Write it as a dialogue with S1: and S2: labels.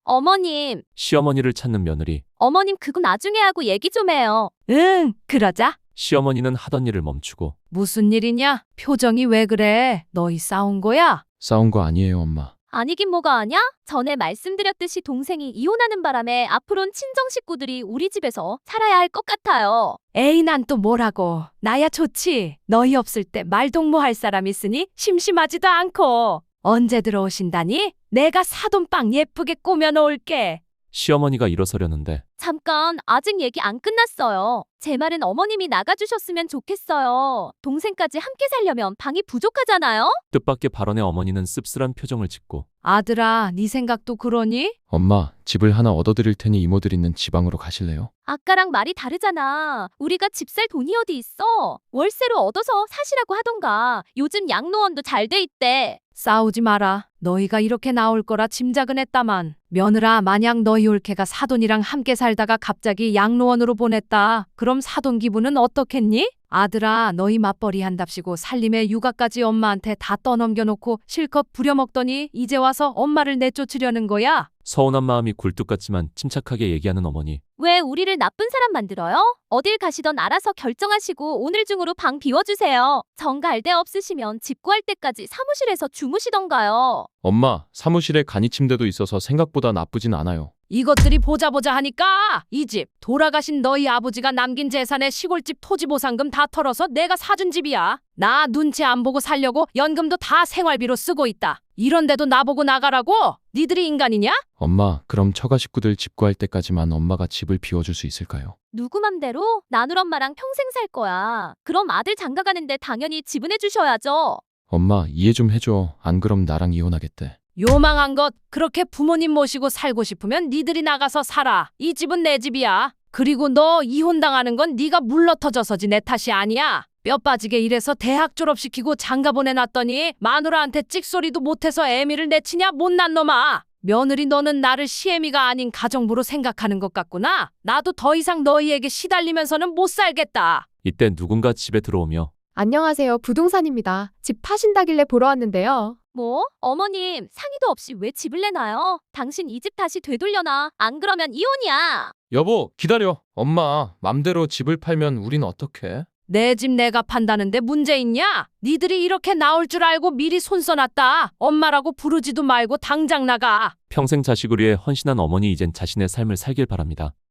S1: 어머님,
S2: 시어머니를 찾는 며느리.
S1: 어머님 그거 나중에 하고 얘기 좀 해요.
S3: 응, 그러자.
S2: 시어머니는 하던 일을 멈추고
S3: 무슨 일이냐? 표정이 왜 그래? 너희 싸운 거야?
S4: 싸운 거 아니에요, 엄마.
S1: 아니긴 뭐가 아냐? 전에 말씀드렸듯이 동생이 이혼하는 바람에 앞으론 친정 식구들이 우리 집에서 살아야 할 것 같아요.
S3: 에이, 난 또 뭐라고. 나야 좋지. 너희 없을 때 말동무할 사람 있으니 심심하지도 않고. 언제 들어오신다니? 내가 사돈빵 예쁘게 꾸며 놓을게.
S2: 시어머니가 일어서려는데
S1: 잠깐, 아직 얘기 안 끝났어요. 제 말은 어머님이 나가주셨으면 좋겠어요. 동생까지 함께 살려면 방이 부족하잖아요?
S2: 뜻밖의 발언에 어머니는 씁쓸한 표정을 짓고
S3: 아들아, 네 생각도 그러니?
S4: 엄마, 집을 하나 얻어드릴 테니 이모들 있는 지방으로 가실래요?
S1: 아까랑 말이 다르잖아. 우리가 집 살 돈이 어디 있어? 월세로 얻어서 사시라고 하던가. 요즘 양로원도 잘 돼 있대.
S3: 싸우지 마라. 너희가 이렇게 나올 거라 짐작은 했다만. 며느라, 만약 너희 올케가 사돈이랑 함께 살다가 갑자기 양로원으로 보냈다. 그럼 사돈 기분은 어떻겠니? 아들아, 너희 맞벌이 한답시고 살림에 육아까지 엄마한테 다 떠넘겨놓고 실컷 부려먹더니 이제 와서 엄마를 내쫓으려는 거야?
S2: 서운한 마음이 굴뚝 같지만 침착하게 얘기하는 어머니.
S1: 왜 우리를 나쁜 사람 만들어요? 어딜 가시던 알아서 결정하시고 오늘 중으로 방 비워주세요. 정 갈 데 없으시면 집 구할 때까지 사무실에서 주무시던가요.
S4: 엄마, 사무실에 간이 침대도 있어서 생각보다 나쁘진 않아요.
S3: 이것들이 보자 하니까 이 집 돌아가신 너희 아버지가 남긴 재산에 시골집 토지 보상금 다 털어서 내가 사준 집이야. 나 눈치 안 보고 살려고 연금도 다 생활비로 쓰고 있다. 이런데도 나보고 나가라고? 니들이 인간이냐?
S4: 엄마, 그럼 처가 식구들 집 구할 때까지만 엄마가 집을 비워줄 수 있을까요?
S1: 누구 맘대로? 나눌 엄마랑 평생 살 거야. 그럼 아들 장가가는데 당연히 지분해 주셔야죠.
S4: 엄마, 이해 좀 해줘. 안 그럼 나랑 이혼하겠대.
S3: 요망한 것, 그렇게 부모님 모시고 살고 싶으면 니들이 나가서 살아. 이 집은 내 집이야. 그리고 너 이혼당하는 건 네가 물러터져서지 내 탓이 아니야. 뼈 빠지게 일해서 대학 졸업시키고 장가 보내놨더니 마누라한테 찍소리도 못해서 애미를 내치냐 못난 놈아. 며느리, 너는 나를 시애미가 아닌 가정부로 생각하는 것 같구나. 나도 더 이상 너희에게 시달리면서는 못 살겠다.
S2: 이때 누군가 집에 들어오며
S5: 안녕하세요. 부동산입니다. 집 파신다길래 보러 왔는데요.
S1: 뭐? 어머님, 상의도 없이 왜 집을 내놔요? 당신 이 집 다시 되돌려놔. 안 그러면 이혼이야.
S4: 여보, 기다려. 엄마, 맘대로 집을 팔면 우린 어떡해?
S3: 내 집 내가 판다는데 문제 있냐? 니들이 이렇게 나올 줄 알고 미리 손써놨다. 엄마라고 부르지도 말고 당장 나가.
S2: 평생 자식을 위해 헌신한 어머니, 이젠 자신의 삶을 살길 바랍니다.